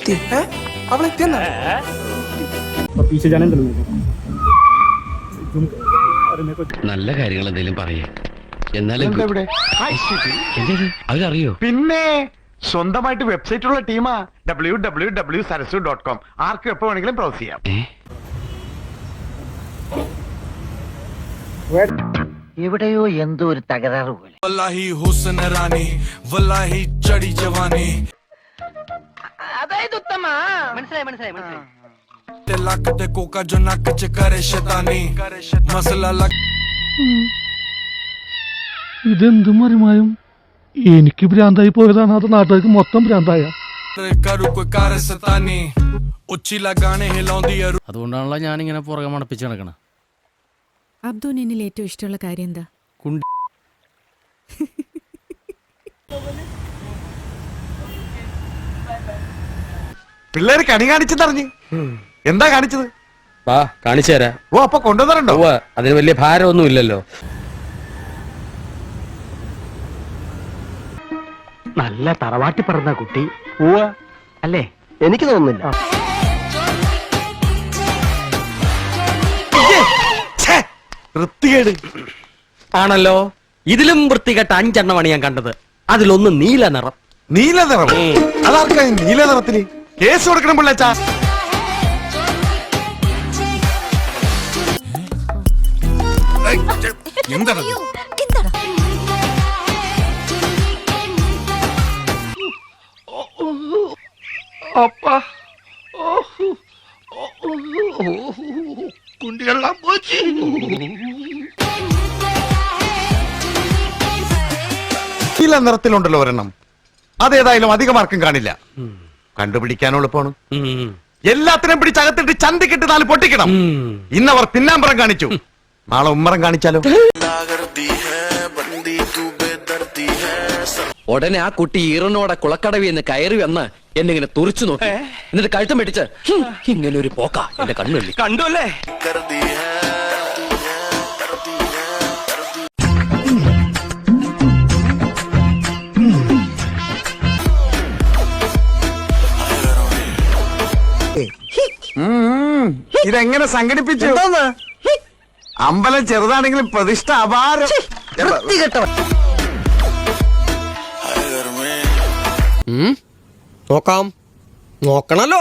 അവളെത്തിയെന്നാ पीछे जाने दो നല്ല കാര്യങ്ങൾ എന്തെങ്കിലും പറയേ എന്നാലും അവരറിയോ പിന്നെ സ്വന്തമായിട്ട് വെബ്സൈറ്റ് ഉള്ള ടീമാ www.sarasu.com ആർക്കും എപ്പോ വേണമെങ്കിലും ബ്രൗസ് ചെയ്യാം. എവിടെയോ എന്തോ ഒരു തകരാറ് പോലെ. വല്ലാഹി ഹുസ്ന റാണി വല്ലാഹി ചടി ജവാനി അതായത് ഉത്തമ മനസ്സിലായി ਲੱਕ ਤੇ ਕੋਕਾ ਜੋ ਨੱਕ ਚ ਕਰੇ ਸ਼ੈਤਾਨੀ ਮਸਲਾ ਲੱਕ ഇതെന്ത് മറിമായും എനിക്ക് ഭ്രാന്തായി പോയതാണ് അത് നാട്ടുകാർക്ക് മൊത്തം ഭ്രാന്തായ കਰੂ ਕੋਈ ਕਰ ਸਤਾਨੀ ਉੱਚੀ ਲਗਾਣੇ ਹਿਲਾਉਂਦੀ അതുകൊണ്ടാണല്ലോ ഞാൻ ഇങ്ങനെ പുറകെ മണപ്പിച്ച് നടക്കണം. അബ്ദുവിന് എന്നിൽ ഏറ്റവും ഇഷ്ടമുള്ള കാര്യം എന്താ? പിള്ളേര് കണി കാണിച്ചെന്നറിഞ്ഞ് എന്താ കാണിച്ചത്? വാ കാണിച്ചു തരാം. ഓ അപ്പൊ കൊണ്ടുവന്നിട്ടുണ്ടോ? അതിന് വലിയ ഭാരമൊന്നും ഇല്ലല്ലോ. നല്ല തറവാട്ടി പറഞ്ഞ കുട്ടി അല്ലേ? എനിക്ക് തോന്നുന്നില്ല. വൃത്തികേട് ആണല്ലോ. ഇതിലും വൃത്തികെട്ട 5 എണ്ണമാണ് ഞാൻ കണ്ടത്. അതിലൊന്ന് നീല നിറം. നീല നിറം? അതാർക്കാ നീല നിറത്തിന് കേസ് കൊടുക്കണം പിള്ളേച്ചാ? എന്താണ് നീല നിറത്തിലുണ്ടല്ലോ ഒരെണ്ണം. അതേതായാലും അധിക മാർക്കും കാണില്ല. കണ്ടുപിടിക്കാൻ എളുപ്പമാണ്. എല്ലാത്തിനും പിടിച്ചകത്തിട്ട് ചന്തിക്കിട്ട് 4 പൊട്ടിക്കണം. ഇന്നവർ പിന്നാമ്പറം കാണിച്ചു, നാളെ ഉമ്മറം കാണിച്ചാലോ? ഉടനെ ആ കുട്ടി ഈറനോടെ കുളക്കടവി എന്ന് കയറി വന്ന് എന്നെ ഇങ്ങനെ തുറിച്ചു നോക്കി. എന്നിട്ട് കഴുത്തം പിടിച്ച് ഇങ്ങനെ ഒരു പോക്ക എന്റെ കണ്ണുള്ളി കണ്ടു അല്ലേ? ഇതെങ്ങനെ സംഘടിപ്പിച്ചു? അമ്പലം ചെറുതാണെങ്കിലും പ്രതിഷ്ഠ അപാരം. നോക്കാം, നോക്കണല്ലോ.